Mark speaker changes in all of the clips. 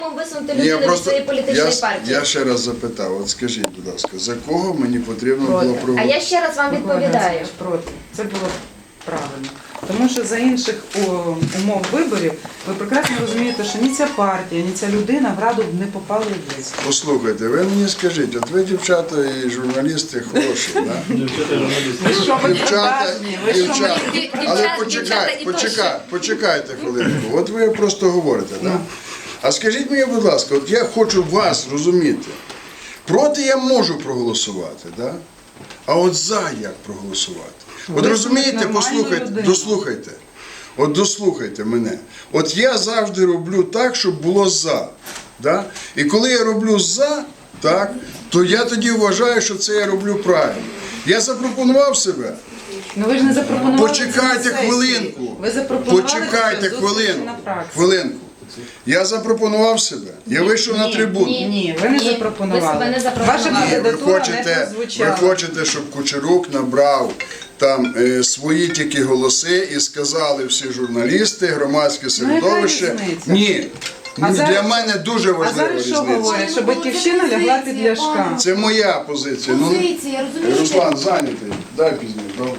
Speaker 1: Висунути людину від своєї політичної партії.
Speaker 2: Я ще раз запитав, от скажіть, будь ласка, за кого мені потрібно було проголосувати?
Speaker 1: А я ще раз вам відповідаю.
Speaker 3: Проти. Це було правильно. Тому що за інших умов виборів ви прекрасно розумієте, що ні ця партія, ні ця людина в Раду не попали в лист.
Speaker 2: Послухайте, ви мені скажіть, от ви дівчата і журналісти хороші, да? Але почекайте хвилинку, от ви просто говорите, да? А скажіть мені, будь ласка, от я хочу вас розуміти, проти я можу проголосувати, да? А от за як проголосувати? От розумієте, послухайте, дослухайте. От дослухайте мене. От я завжди роблю так, щоб було за. Да? І коли я роблю за, так, то я тоді вважаю, що це я роблю правильно. Я запропонував себе.
Speaker 3: Ну ви ж не запропонували.
Speaker 2: Почекайте хвилинку.
Speaker 3: Ви запропонували.
Speaker 2: Почекайте хвилинку. Я запропонував себе. Я вийшов на трибуну.
Speaker 3: Ні, ви не запропонували.
Speaker 1: Ви себе не запропонували.
Speaker 3: Ваша кандидатура не прозвучала.
Speaker 2: Ви хочете, щоб Кучерук набрав там свої тільки голоси і сказали всі журналісти, громадське середовище. Ні. Для мене дуже важлива різниця.
Speaker 3: А зараз що говорять? Що Батьківщина лягла під Ляшка.
Speaker 2: Це моя позиція. Руслан зайнятий. Дай пізніше, добре.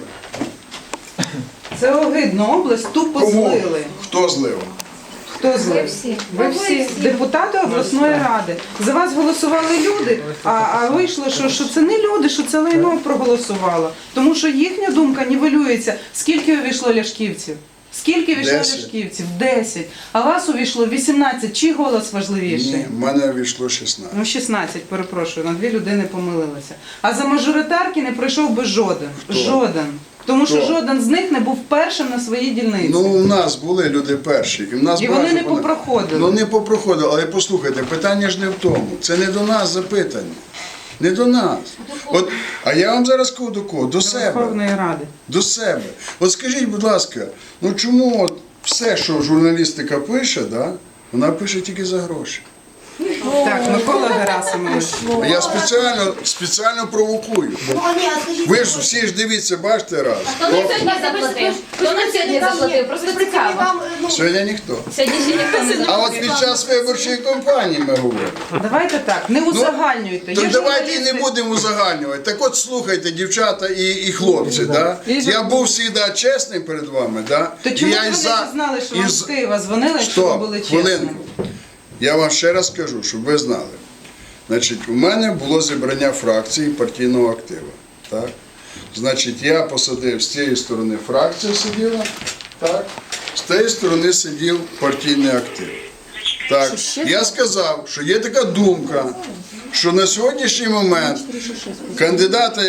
Speaker 3: Це огидно, область тупо злили.
Speaker 2: Хто злив?
Speaker 3: Хто злив? Ви всі депутати обласної ради. За вас голосували люди, а вийшло, що це не люди, що це лайно проголосувало. Тому що їхня думка нівелюється. Скільки увійшло ляшківців? Скільки увійшло ляшківців? 10. А вас увійшло 18. Чий голос важливіший?
Speaker 2: Ні, в мене увійшло 16.
Speaker 3: Ну, 16, перепрошую, на 2 людини помилилися. А за мажоритарки не пройшов би жоден.
Speaker 2: Хто?
Speaker 3: Жоден. Тому що жоден з них не був першим на своїй дільниці.
Speaker 2: Ну, у нас були люди перші.
Speaker 3: І вони не попроходили.
Speaker 2: Ну, не попроходили, але послухайте, питання ж не в тому. Це не до нас запитання. Не до нас. От, а я вам зараз кажу до кого? До себе.
Speaker 3: Верховної Ради.
Speaker 2: До себе. От скажіть, будь ласка, ну чому от все, що журналістика пише, да, вона пише тільки за гроші?
Speaker 3: Так, Микола Герасимович.
Speaker 2: Я спеціально провокую. Ви ж всі ж дивіться, бачите раз.
Speaker 1: Хто нам сьогодні заплатив? Хто нам сьогодні заплатив? Просто цікаво.
Speaker 2: Сьогодні ніхто.
Speaker 1: Сьогодні ще ніхто не
Speaker 2: А от під час виборчої кампанії ми говоримо.
Speaker 3: Давайте так, не узагальнюйте.
Speaker 2: Так давайте і не будемо узагальнювати. Так от слухайте, дівчата і хлопці, да? Я був завжди чесним перед вами, да?
Speaker 3: То чому ви не знали, що вам з Києва дзвонили, якщо ви були чесними?
Speaker 2: Я вам ще раз кажу, щоб ви знали. Значить, у мене було зібрання фракції партійного активу. Так? Значить, я посадив з цієї сторони фракція сиділа, так? З тієї сторони сидів партійний актив. Так. Я сказав, що є така думка, що на сьогоднішній момент кандидата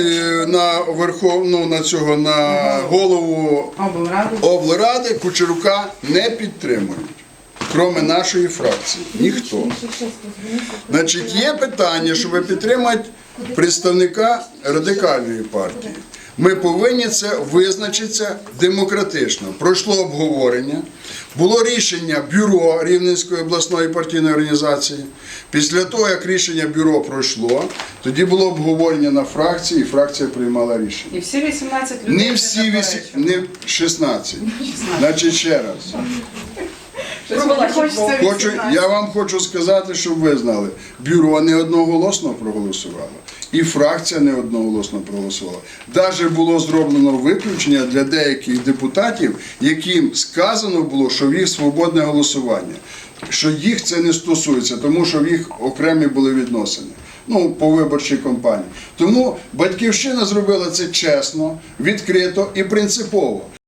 Speaker 2: на голову облради Кучерука не підтримують. Крім нашої фракції. Ніхто. Значить, є питання, щоб підтримати представника Радикальної партії. Ми повинні це визначитися демократично. Пройшло обговорення, було рішення бюро Рівненської обласної партійної організації. Після того, як рішення бюро пройшло, тоді було обговорення на фракції, і фракція приймала рішення.
Speaker 3: І всі 18 людей
Speaker 2: не всі, не 16. Значить, ще раз. Я вам хочу сказати, щоб ви знали, бюро не одноголосно проголосувало, і фракція не одноголосно проголосувала. Навіть було зроблено виключення для деяких депутатів, яким сказано було, що в їх свободне голосування, що їх це не стосується, тому що в їх окремі були відносини. Ну, по виборчій кампанії. Тому Батьківщина зробила це чесно, відкрито і принципово.